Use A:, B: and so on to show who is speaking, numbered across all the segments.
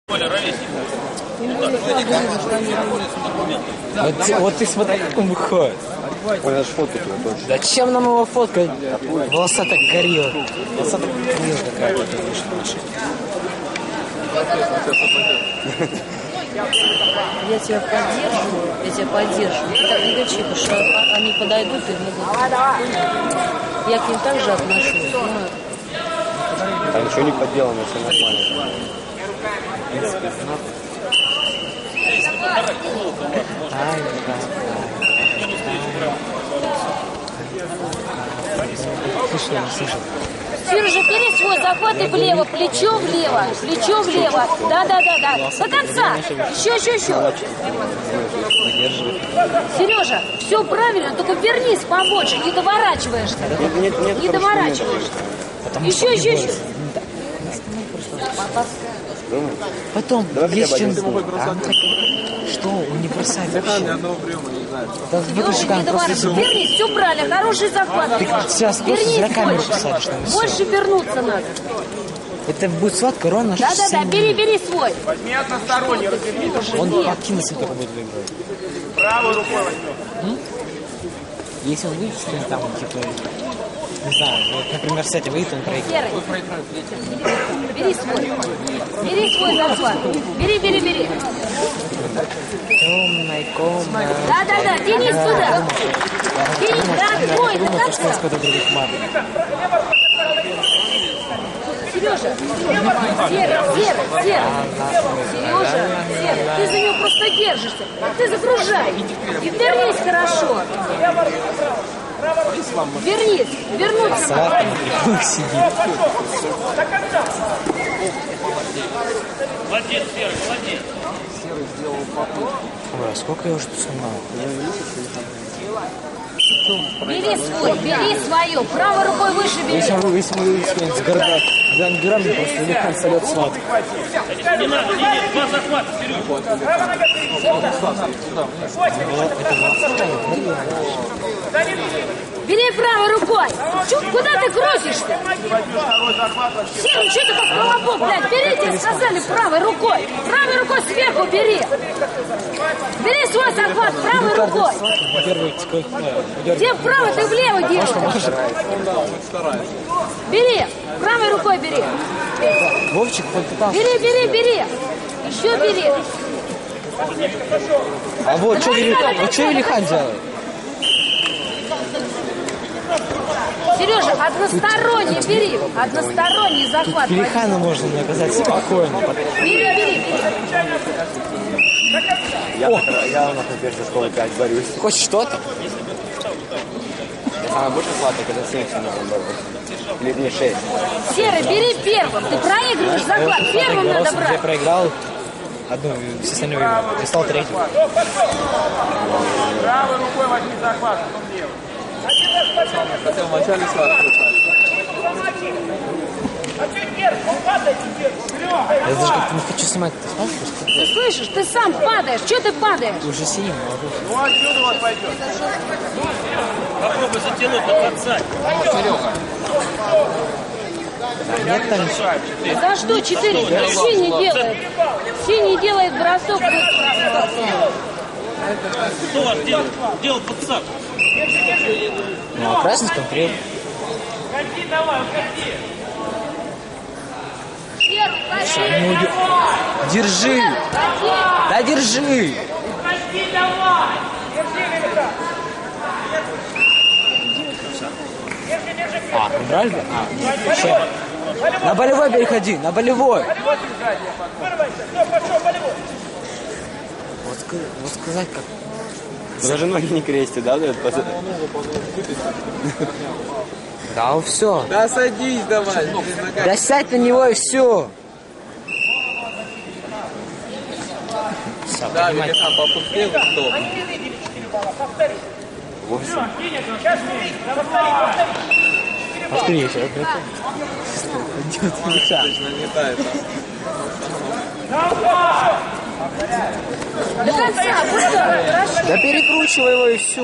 A: Вот ты смотри, как он выходит.
B: Ой, надо фоткать его точно.
A: Зачем нам его фоткать? Волоса так горела. Волоса так горела какая-то.
C: Я тебя поддержу. Ты так не кричи, потому что они подойдут и могут. Я к ним также отношусь.
B: А ничего не подделано, все нормально.
A: Слышал.
C: Сережа, бери свой захват и влево, плечо влево. Да. До конца. Еще. Сережа, все правильно, только вернись побольше, не доворачиваешься.
B: Нет,
C: Не доворачиваешься. Еще.
A: Потом,
B: давай
A: есть чем...
B: что?
A: Что? Он не бросает вообще.
B: Ни одного приема не знаю.
A: Да выключи камеру, просто...
C: Вернись, все правильно, хороший захват.
A: Ты сейчас просто зря камеру посадишь.
C: Больше вернуться надо.
A: Это будет сладко, ровно.
C: Да, бери свой.
D: Возьми односторонний, развернись.
A: Он покинется, только будет выиграть.
D: Правой рукой возьмем.
A: Если он выйдет, там, типа, не знаю, вот, например, с этим выйдет, он проиграет.
C: Серый, бери свой захват. Бери.
A: Темная комната.
C: Да, тянись туда. Тянись, да, твой, до
A: Думал, что
C: конца.
A: сколько других мат.
C: Сережа, Серый, ты за него просто держишься. Ты загружай. И вернись хорошо. Вернуться.
A: Сладкий сидит.
D: Молодец, Серый, молодец.
A: Ой, а сколько я уже тут снимал?
C: Бери свое. Правой рукой выше бери.
A: Если мы с грандюрами, просто легко сольет сладко.
D: Не надо, нет, два захвата,
C: Бери правой рукой. Куда ты крутишься? Серый, что ты как колобок, блядь? Берите, сказали, правой рукой. Правой рукой сверху бери. Бери свой захват правой рукой. Где вправо, ты влево делаешь. Бери, правой рукой бери.
A: Вовчик попытался.
C: Бери. Еще бери.
A: А вот что Велихан делает?
C: Сережа, односторонний бери. Односторонний захват.
A: Велихана можно наказать спокойно.
C: Бери.
B: Я на первой школе 5 борюсь.
A: Хочешь что-то?
B: Я самый больше сладкий, когда 7 борюсь. Или не 6.
C: Серый, бери первым. Ты проигрываешь захват. Первым надо
A: Я
C: брать.
A: проиграл одну, все остальные выиграл. Я стал третьим.
D: правой рукой возьми захват, потом левой.
B: Хотел вначале сладкий.
A: Я даже как-то не хочу снимать. Ты смотришь?
C: Ты слышишь, ты сам падаешь. Чего ты падаешь?
A: Ты уже синим, молодой.
D: Ну отсюда вот пойдет. Попробуй затянуть на подсадь.
A: Нет там ничего.
C: За что 4? Синий делает. Синий делает бросок.
D: Кто ваш делал подсадку?
A: Ну, а красный конкрет.
D: Уходи давай, уходи.
A: Держи! Да держи!
D: Уходи давай.
A: А, убрали? А, чем? На болевой переходи, на болевой! Вот сказать как...
B: Даже ноги не крестят, да?
A: Да, все.
B: Да садись давай.
A: Да сядь на него и все.
B: Да, Велихан попустил, кто? 8.
A: Повтори еще.
B: Точно не та это.
C: До конца, хорошо.
A: Да перекручивай его и все.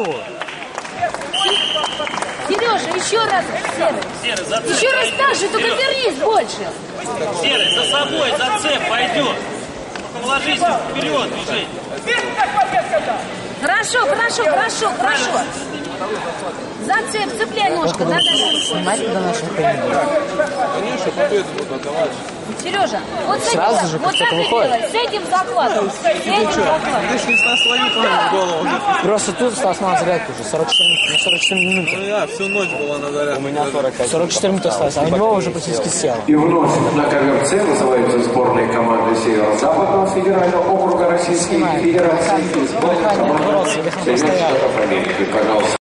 C: Сережа, еще раз, Серый.
D: Серый, зацеп.
C: Еще раз так же, только вернись больше.
D: Серый, за собой, зацеп, пойдет. положись вперед, движение.
C: Хорошо. Цепляй ножку, да.
A: Снимать до наших тренеров.
E: Конечно, победу будут отдавать.
C: Сережа, вот с этим,
A: Сразу же,
C: вот
A: как
C: так
A: только
C: и
A: выходит.
C: делай, с этим захватом. С этим захватом.
E: Ты ж не слони в голову.
A: Просто тут осталось мало зарядки уже. 44 минуты.
E: Ну я всю ночь была на зарядке.
B: У меня 45.
A: 44 минуты осталось, а у него уже практически сел.
F: И вновь на ковер С вызываются сборные команды Северо-Западного федерального округа Российской Федерации и сборная команды Соединенных Штатов Америки. Пожалуйста.